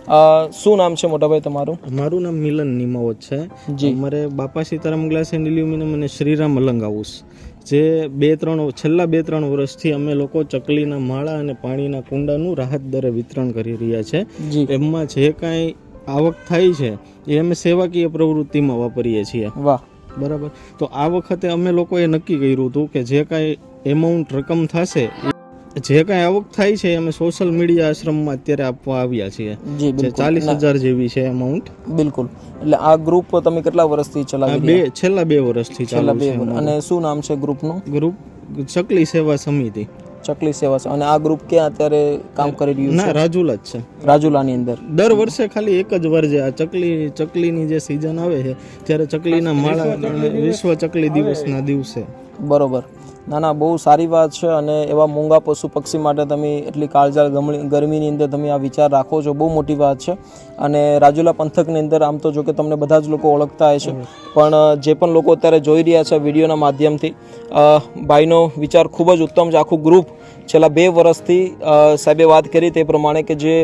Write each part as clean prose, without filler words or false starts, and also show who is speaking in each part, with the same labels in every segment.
Speaker 1: શું નામ છે મોટાભાઈ તમારું?
Speaker 2: મારું નામ મિલન નિમાવત છે. અમારે બાપા સીતારામ ગ્લાસ એન્ડ એલ્યુમિનિયમ અને શ્રીરામ અલંગ હાઉસ જે છેલ્લા 2-3 વર્ષથી અમે લોકો ચકલીના માળા અને પાણીના કુંડાનું રાહત દરે વિતરણ કરી રહ્યા છે. એમાં જે કાંઈ આવક થાય છે એ અમે સેવાકીય પ્રવૃત્તિમાં વાપરીએ છીએ.
Speaker 1: વાહ,
Speaker 2: બરાબર. તો આ વખતે અમે લોકોએ નક્કી કર્યું હતું કે જે કાંઈ એમાઉન્ટ રકમ થશે, જે કાંઈ આવક થાય છે અમે સોશિયલ મીડિયા આશ્રમમાં અત્યારે આપવા આવ્યા છીએ.
Speaker 1: જી,
Speaker 2: જે 40,000 જેવી છે અમાઉન્ટ.
Speaker 1: બિલકુલ. એટલે આ ગ્રુપ તમે કેટલા વર્ષથી ચલાવી રહ્યા?
Speaker 2: છેલ્લા 2 વર્ષથી ચાલુ છે.
Speaker 1: અને શું નામ છે ગ્રુપનું?
Speaker 2: ગ્રુપ ચકલી સેવા સમિતિ.
Speaker 1: ચકલી સેવા. અને આ ગ્રુપ ક્યાં અત્યારે કામ કરી રહ્યું છે?
Speaker 2: ના, રાજુલા જ છે.
Speaker 1: રાજુલાની અંદર
Speaker 2: દર વર્ષે ખાલી એક જ વાર જે આ ચકલીની જે સિઝન આવે છે ત્યારે ચકલીના માળા વિશ્વ ચકલી દિવસના દિવસે.
Speaker 1: બરોબર. ના, બહુ સારી વાત છે. અને એવા મૂંગા પશુ પક્ષી માટે તમે એટલી કાળઝાળ ગરમીની અંદર તમે આ વિચાર રાખો છો, બહુ મોટી વાત છે. અને રાજુલા પંથકની અંદર આમ તો જો કે તમને બધા જ લોકો ઓળખતા હશે, પણ જે પણ લોકો અત્યારે જોઈ રહ્યા છે વિડીયોના માધ્યમથી, ભાઈનો વિચાર ખૂબ જ ઉત્તમ છે. આખું ગ્રુપ છેલ્લા 2 વર્ષથી સાહેબે વાત કરી તે પ્રમાણે કે જે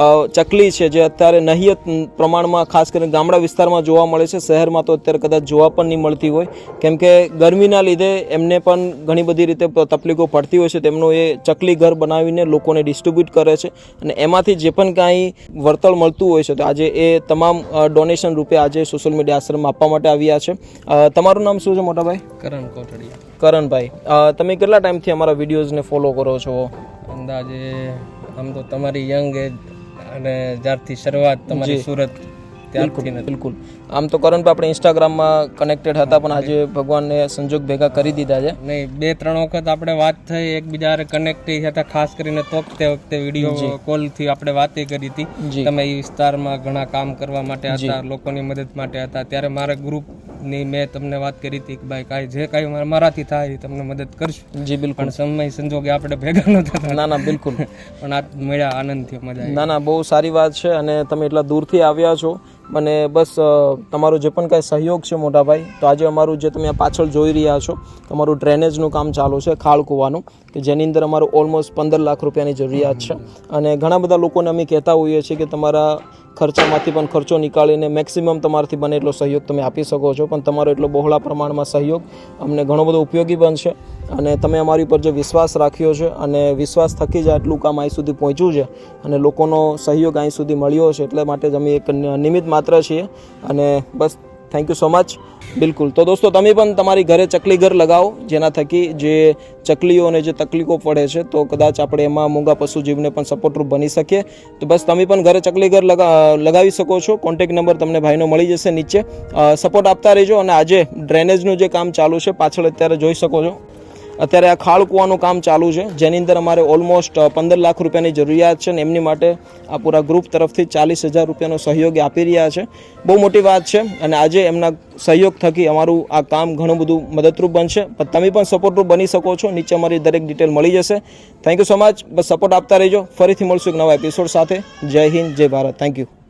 Speaker 1: ચકલી છે જે અત્યારે નહિયત પ્રમાણમાં ખાસ કરીને ગામડા વિસ્તારમાં જોવા મળે છે, શહેરમાં તો અત્યારે કદાચ જોવા પણ નહીં મળતી હોય, કેમ કે ગરમીના લીધે એમને પણ ઘણી બધી રીતે તકલીફો પડતી હોય છે. તેમનું એ ચકલી ઘર બનાવીને લોકોને ડિસ્ટ્રીબ્યુટ કરે છે અને એમાંથી જે પણ કાંઈ વળતર મળતું હોય છે તો આજે એ તમામ ડોનેશન રૂપે આજે સોશિયલ મીડિયા આશ્રમમાં આપવા માટે આવ્યા છે. તમારું નામ શું છે મોટાભાઈ?
Speaker 3: કરણ કોટડિયા.
Speaker 1: કરણભાઈ, તમે કેટલા ટાઈમથી અમારા વિડીયોઝને ફોલો કરો છો?
Speaker 3: અંદાજે આમ તો તમારી યંગ એજ અને જ્યારથી શરૂઆત તમારી સુરત ત્યારથી.
Speaker 1: બિલકુલ. આમ તો કરણભાઈ આપણે ઇન્સ્ટાગ્રામમાં કનેક્ટેડ હતા, પણ આજે ભગવાનને સંજોગ ભેગા કરી દીધા છે.
Speaker 3: નહીં, 2-3 વખત આપણે વાત થઈ, એકબીજા કનેક્ટ હતા, ખાસ કરીને તો તે વખતે વિડીયો કોલથી આપણે વાતે કરી હતી. તમે એ વિસ્તારમાં ઘણા કામ કરવા માટે હતા, લોકોની મદદ માટે હતા. ત્યારે મારા ગ્રુપની મેં તમને વાત કરી હતી કે ભાઈ કાંઈ જે કાંઈ મારાથી થાય એ તમને મદદ કરશું.
Speaker 1: જી બિલકુલ.
Speaker 3: પણ સમય સંજોગે આપણે ભેગા નહોતા થતા.
Speaker 1: ના, બિલકુલ.
Speaker 3: પણ આ મળ્યા, આનંદ થયો, મજા આવી.
Speaker 1: ના, બહુ સારી વાત છે. અને તમે એટલા દૂરથી આવ્યા છો અને બસ તમારો જે પણ કાંઈ સહયોગ છે મોટાભાઈ, તો આજે અમારું જે તમે પાછળ જોઈ રહ્યા છો તમારું ડ્રેનેજનું કામ ચાલુ છે, ખાળ કૂવાનું, કે જેની અંદર અમારું ઓલમોસ્ટ 15 લાખ રૂપિયાની જરૂરિયાત છે. અને ઘણા બધા લોકોને અમે કહેતા હોઈએ છીએ કે તમારા ખર્ચામાંથી પણ ખર્ચો નીકાળીને મેક્સિમમ તમારાથી બને એટલો સહયોગ તમે આપી શકો છો, પણ તમારો એટલો બહોળા પ્રમાણમાં સહયોગ અમને ઘણો બધો ઉપયોગી બનશે. અને તમે અમારી ઉપર જે વિશ્વાસ રાખ્યો છે અને વિશ્વાસ થકી જ આટલું કામ અહીં સુધી પહોંચ્યું છે અને લોકોનો સહયોગ અહીં સુધી મળ્યો છે, એટલે માટે જ અમે એક નિમિત્ત માત્ર છીએ. અને બસ થેન્ક યુ સો મચ. બિલકુલ. તો દોસ્તો તમે પણ તમારી ઘરે ચકલી ઘર લગાવો, જેના થકી જે ચકલીઓને જે તકલીફો પડે છે તો કદાચ આપણે એમાં મૂંગા પશુ જીવને પણ સપોર્ટરૂપ બની શકીએ. તો બસ તમે પણ ઘરે ચકલી ઘર લગાવી શકો છો. કોન્ટેક્ટ નંબર તમને ભાઈનો મળી જશે નીચે. સપોર્ટ આપતા રહેજો. અને આજે ડ્રેનેજનું જે કામ ચાલુ છે પાછળ અત્યારે જોઈ શકો છો, અત્યારે આ ખાળ કૂવાનું કામ ચાલુ છે, જેની અંદર અમારે ઓલમોસ્ટ 15 લાખ રૂપિયાની જરૂરિયાત છે. અને એમની માટે આ પૂરા ગ્રુપ તરફથી 40,000 રૂપિયાનો સહયોગ આપી રહ્યા છે. બહુ મોટી વાત છે. અને આજે એમના સહયોગ થકી અમારું આ કામ ઘણું બધું મદદરૂપ બનશે. પણ તમે પણ સપોર્ટરૂપ બની શકો છો. નીચે અમારી દરેક ડિટેલ મળી જશે. Thank you so much. બસ સપોર્ટ આપતા રહેજો. ફરીથી મળશું એક નવા એપિસોડ સાથે. જય હિન્દ, જય ભારત. Thank you.